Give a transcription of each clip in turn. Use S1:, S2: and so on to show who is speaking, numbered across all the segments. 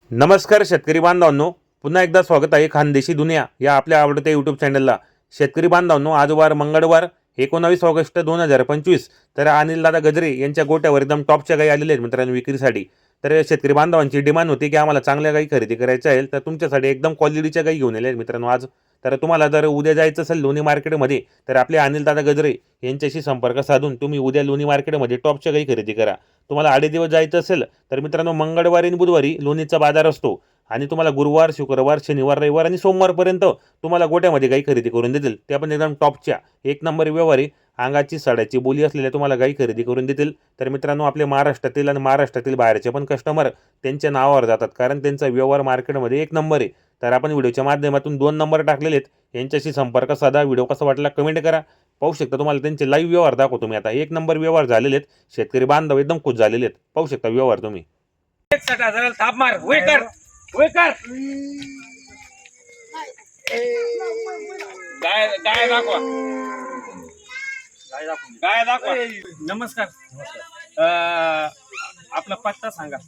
S1: नमस्कार शेतकरी बांधवांनो, पुन्हा एकदा स्वागत आहे खानदेशी दुनिया या आपल्या आवडत्या यूट्यूब चॅनलला। शेतकरी बांधवांनो, आज वार मंगळवार 19 ऑगस्ट 2025। तर अनिल दादा गजरे यांच्या गोट्यावर एकदम टॉपच्या गायी आलेल्या आहेत मित्रांनो विक्रीसाठी। तर शेतकरी बांधवांची डिमांड होती की आम्हाला चांगल्या गायी खरेदी करायच्या आहेत, तर तुमच्यासाठी एकदम क्वालिटीच्या गायी घेऊन आले आहेत मित्रांनो आज। तर तुम्हाला जर उद्या जायचं असेल लोणी मार्केटमध्ये तर आपले अनिल दादा गजरे यांच्याशी संपर्क साधून तुम्ही उद्या लोणी मार्केटमध्ये टॉपच्या गायी खरेदी करा। तुम्हाला 8 दिवस जायचं असेल तर मित्रांनो मंगळवारी आणि बुधवारी लोणीचा बाजार असतो आणि तुम्हाला गुरुवार, शुक्रवार, शनिवार, रविवार आणि सोमवारपर्यंत तुम्हाला गोट्यामध्ये गायी खरेदी करून देतील। ते पण एकदम टॉपच्या एक नंबर व्यवहारी अंगाची साड्याची बोली असलेल्या तुम्हाला गायी खरेदी करून देतील। तर मित्रांनो, आपले महाराष्ट्रातील आणि महाराष्ट्रातील बाहेरचे पण कस्टमर त्यांच्या नावावर जातात, कारण त्यांचा व्यवहार मार्केटमध्ये एक नंबर आहे। तर आपण व्हिडिओच्या माध्यमातून 2 नंबर टाकलेले आहेत, यांच्याशी संपर्क साधा। व्हिडिओ कसा वाटला कमेंट करा। पाहू शकता तुम्हाला त्यांचे लाईव्ह व्यवहार दाखवतो मी आता। एक नंबर व्यवहार झालेले आहेत, शेतकरी बांधव एकदम खुश झालेले आहेत। पाहू शकता व्यवहार तुम्ही।
S2: 61,000 थाप मार होय कर गाय दाखवा गाय दाखवा। नमस्कार, आपला पत्ता सांगा।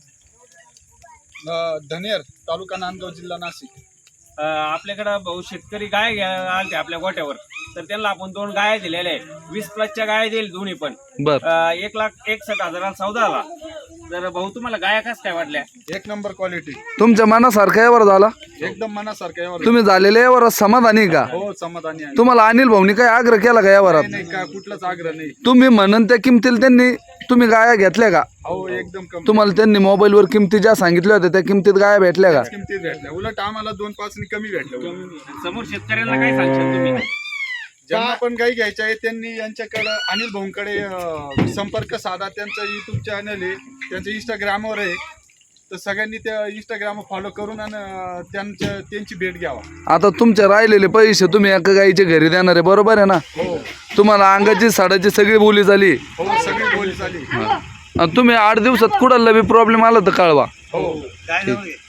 S3: धनेर, तालुका नांदगाव, जिल्हा नाशिक।
S2: आपल्याकडे भाऊ शेतकरी गाय घ्यायला आलते आपल्या गोट्यावर, तर त्यांना आपण 2 गाय दिलेल्या आहे। 20+ गाय दिली दोन्ही पण। 1,61,000 सौदा आला। तर भाऊ तुम्हाला गाया कस काय वाटल्या?
S3: एक नंबर क्वालिटी,
S4: तुमच्या मनासारखा यावर झाला?
S3: एकदम मनासारखा यावर।
S4: तुम्ही झालेल्या यावर समाधानी का?
S3: हो, समाधानी आहे।
S4: तुम्हाला अनिल भाऊनी काय आग्रह केला का यावरात?
S3: नाही, काय कुठलाच आग्रह नाही।
S4: तुम्ही म्हणून त्या किमतीला त्यांनी तुम्ही गाया घेतल्या का?
S3: हो, एकदम कमी
S4: तुम्हाला त्यांनी मोबाईलवर किमती ज्या सांगितल्या होत्या त्या किमतीत गाया भेटल्या का?
S3: किमतीत भेटल्या, उलट आम्हाला 2-5 कमी भेटल्या।
S2: समोर शेतकऱ्यांना काय सांगशाल तुम्ही?
S3: ज्यांना पण गाई घ्यायच्या आहे त्यांनी यांच्याकडे अनिल भाऊंकडे संपर्क साधा। त्यांचं युट्यूब चॅनल आहे, त्यांचं इंस्टाग्रामवर आहे, तर सगळ्यांनी त्या इंस्टाग्राम फॉलो करून आणि त्यांची भेट घ्यावा।
S4: आता तुमचे राहिलेले पैसे तुम्ही एका गाईच्या घरी देणार आहे, बरोबर आहे ना?
S3: हो
S4: तुम्हाला अंगाची साडाची सगळी बोली झाली।
S3: हो, सगळी बोली झाली।
S4: आणि तुम्ही 8 दिवसात कुणाला बी प्रॉब्लेम आला तर कळवा।
S3: हो,
S2: काय